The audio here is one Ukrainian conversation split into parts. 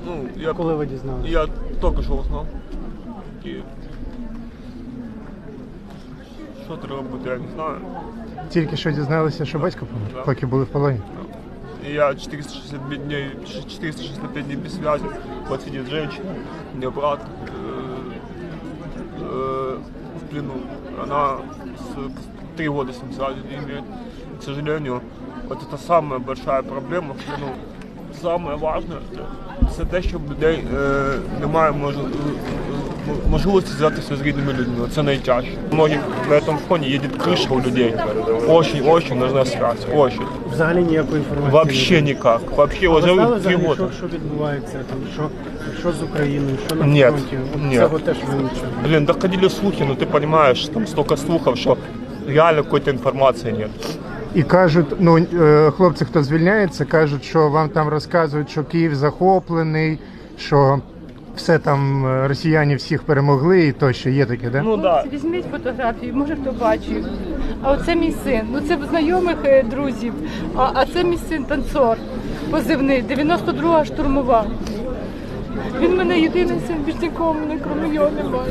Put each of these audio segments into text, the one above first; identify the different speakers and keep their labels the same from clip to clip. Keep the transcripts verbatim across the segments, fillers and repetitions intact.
Speaker 1: Ну, я,
Speaker 2: Коли ви дізналися?
Speaker 1: я тільки що узнав. Київ. Що треба робити, я не знаю.
Speaker 3: Тільки що дізналися, що батько помер,
Speaker 1: Да.
Speaker 3: поки були в полоні.
Speaker 1: И я четыреста шестьдесят пять дней, четыреста шестьдесят пять дней без связи. Вот сидит женщина, у меня брат э, э, в плену. Она с, три года с ним связи не имеет. К сожалению, вот это самая большая проблема в плену. Самое важное – це те, що в людей е, немає мож, можливості зв'язатися з рідними людьми. Це найтяжче. У многих на цьому фоні їде криша у людей. Очень-очень нужна связь. Очень.
Speaker 2: Взагалі ніякої інформації?
Speaker 1: Вообще никак. Вообще
Speaker 2: А ви
Speaker 1: уже
Speaker 2: знали
Speaker 1: три
Speaker 2: взагалі,
Speaker 1: года.
Speaker 2: що, що відбувається, там, що, що з Україною, що на
Speaker 1: Нет,
Speaker 2: фронті? От
Speaker 1: нет.
Speaker 2: Цього теж ви нічого.
Speaker 1: Блин, доходили слухи, но ты понимаешь, там столько слухов, что реально какой-то информации нет.
Speaker 3: І кажуть, ну е, хлопці, хто звільняється, кажуть, що вам там розказують, що Київ захоплений, що все там е, росіяни всіх перемогли і тощо. Є таке, да?
Speaker 1: Ну да.
Speaker 4: Візьміть фотографії, може хто бачив. А оце мій син. Ну це знайомих е, друзів. А, а це мій син танцор позивний, дев'яносто друга штурмова. Він мене єдиний син, більш нікого мене, крім його, немає.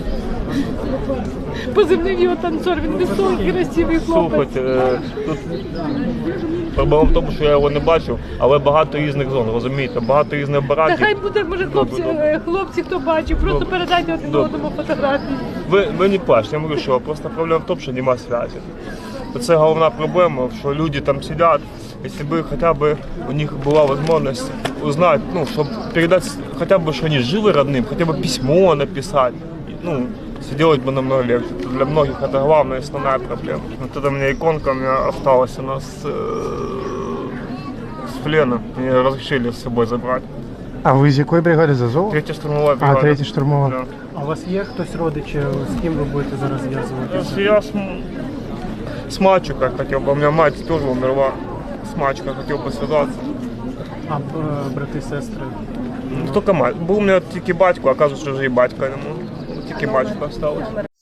Speaker 4: Позивний його танцор, він високий, красивий хлопець.
Speaker 1: Слухайте, е, тут проблема в тому, що я його не бачив, але багато різних зон, розумієте, багато різних
Speaker 4: Та
Speaker 1: бараків.
Speaker 4: хай буде, може, хлопці,
Speaker 1: Добре,
Speaker 4: е, хлопці, хто бачив, просто
Speaker 1: Добре.
Speaker 4: передайте один
Speaker 1: Добре.
Speaker 4: одному фотографії.
Speaker 1: Ви, ви не плачте, я говорю, що просто проблема в тому, що немає зв'язку. Це головна проблема, що люди там сидять, якщо б хоча б у них була можливість узнати, ну, щоб передати хоча б, що вони живі родним, хоча б письмо написати, ну, все делать бы намного легче. Для многих это главная, основная проблема. Вот это у меня иконка у меня осталась, она с, э, с плена. Мне разрешили с собой забрать.
Speaker 3: А ви з якої бригади, з Азову?
Speaker 1: Третья штурмовая бригада.
Speaker 3: А, третя штурмова.
Speaker 1: Да.
Speaker 2: А у вас є хтось родичі, з ким ви будете зараз зв'язуватися?
Speaker 1: Если я с, м- с мальчиком хотел бы, у меня мать тоже умерла, с мальчиком хотел бы связаться.
Speaker 2: А б- брати, сестри?
Speaker 1: Ну, только мать. Был у меня тільки батько, оказывается, что уже и батька ему. Тільки мальчика осталось.